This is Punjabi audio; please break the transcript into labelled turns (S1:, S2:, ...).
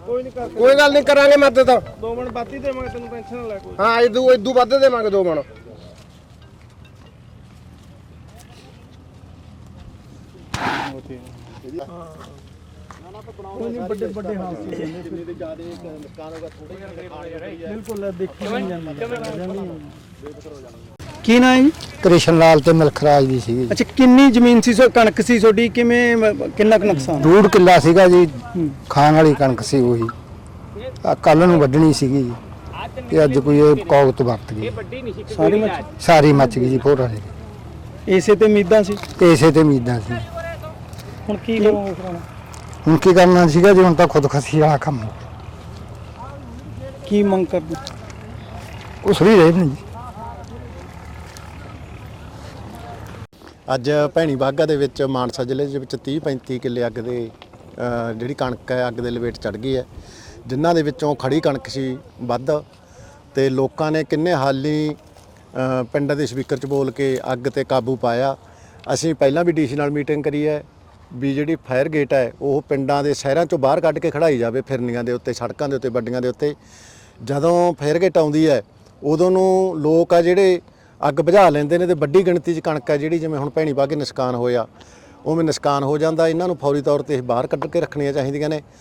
S1: ਕੋਈ ਗੱਲ ਨਹੀਂ ਕਰਾਂਗੇ ਮਦਦ।
S2: 2 ਮਣ ਬਾਤੀ ਦੇਵਾਂਗੇ ਤੈਨੂੰ, ਟੈਨਸ਼ਨ ਨਾ ਲੈ ਕੋਈ।
S1: ਹਾਂ ਇਦੂ ਵੱਧ ਦੇਵਾਂਗੇ 2 ਮਣ।
S2: ਵੱਡੇ ਵੱਡੇ ਹਾਦਸੇ ਜਿੰਨੇ ਦੇ ਜ਼ਿਆਦਾ ਨੁਕਸਾਨ ਹੋਗਾ ਥੋੜੇ ਜਿਹੇ ਖਾਣੇ ਬਿਲਕੁਲ ਦੇਖੀ ਨਹੀਂ ਜਾਂਦੀ। ਕੀ ਨਾਂ ਹੈ ਜੀ?
S3: ਕ੍ਰਿਸ਼ਨ ਲਾਲ ਤੇ ਮਲਖਰਾਜ ਦੀ ਸੀਗੀ।
S2: ਅੱਛਾ, ਕਿੰਨੀ ਜ਼ਮੀਨ ਸੀ, ਕਣਕ ਸੀ ਤੁਹਾਡੀ, ਕਿਵੇਂ ਕਿੰਨਾ ਕੁ ਨੁਕਸਾਨ?
S3: 1.5 ਕਿੱਲਾ ਸੀਗਾ ਜੀ, ਖਾਣ ਵਾਲੀ ਕਣਕ ਸੀ ਉਹੀ। ਕੱਲ ਨੂੰ ਵੱਢਣੀ ਸੀਗੀ ਜੀ, ਤੇ ਅੱਜ ਕੋਈ ਇਹ ਕੌਗਤ ਵਰਤ ਗਈ, ਸਾਰੀ ਮੱਚ ਗਈ ਜੀ ਭੋਰ ਵਾਲੀ।
S2: ਇਸੇ ਤੇ ਉਮੀਦਾਂ ਸੀ,
S3: ਇਸੇ ਤੇ ਉਮੀਦਾਂ ਸੀ।
S2: ਹੁਣ ਕੀ ਕਰੋਗੇ ਫਿਰ?
S3: ਹੁਣ ਕੀ ਕਰਨਾ ਸੀਗਾ ਜੀ, ਹੁਣ ਤਾਂ ਖੁਦਕਸ਼ੀ ਵਾਲਾ ਕੰਮ ਹੋ ਗਿਆ।
S2: ਕੀ ਮੰਗ ਕਰਦੇ?
S3: ਕੁਛ ਵੀ ਰਹੇ ਨਹੀਂ ਜੀ।
S4: ਅੱਜ ਭੈਣੀ ਬਾਗਾ ਦੇ ਵਿੱਚ ਮਾਨਸਾ ਜ਼ਿਲ੍ਹੇ ਦੇ ਵਿੱਚ 30-35 ਕਿੱਲੇ ਅੱਗ ਦੇ ਜਿਹੜੀ ਕਣਕ ਹੈ ਅੱਗ ਦੇ ਲਪੇਟ ਚੜ੍ਹ ਗਈ ਹੈ, ਜਿਨ੍ਹਾਂ ਦੇ ਵਿੱਚੋਂ ਖੜੀ ਕਣਕ ਸੀ ਵੱਧ, ਤੇ ਲੋਕਾਂ ਨੇ ਕਿੰਨੇ ਹਾਲੀ ਪਿੰਡਾਂ ਦੇ ਸਪੀਕਰ 'ਚ ਬੋਲ ਕੇ ਅੱਗ ਤੇ ਕਾਬੂ ਪਾਇਆ। ਅਸੀਂ ਪਹਿਲਾਂ ਵੀ ਡੀਸੀ ਨਾਲ ਮੀਟਿੰਗ ਕਰੀ ਹੈ ਵੀ ਜਿਹੜੀ ਫਾਇਰ ਗੇਟ ਹੈ ਉਹ ਪਿੰਡਾਂ ਦੇ ਸ਼ਹਿਰਾਂ 'ਚੋਂ ਬਾਹਰ ਕੱਢ ਕੇ ਖੜਾਈ ਜਾਵੇ, ਫਿਰਨੀਆਂ ਦੇ ਉੱਤੇ, ਸੜਕਾਂ ਦੇ ਉੱਤੇ, ਵੱਡੀਆਂ ਦੇ ਉੱਤੇ। ਜਦੋਂ ਫਾਇਰ ਗੇਟ ਆਉਂਦੀ ਹੈ ਉਦੋਂ ਨੂੰ ਲੋਕ ਆ ਜਿਹੜੇ ਅੱਗ ਬੁਝਾ ਲੈਂਦੇ ਨੇ, ਤੇ ਵੱਡੀ ਗਿਣਤੀ 'ਚ ਕਣਕ ਹੈ ਜਿਹੜੀ, ਜਿਵੇਂ ਹੁਣ ਭੈਣੀ ਬਾਗੇ ਨੁਕਸਾਨ ਹੋਇਆ ਉਵੇਂ ਨੁਕਸਾਨ ਹੋ ਜਾਂਦਾ। ਇਹਨਾਂ ਨੂੰ ਫੌਰੀ ਤੌਰ 'ਤੇ ਬਾਹਰ ਕੱਢ ਕੇ ਰੱਖਣੀਆਂ ਚਾਹੀਦੀਆਂ ਨੇ।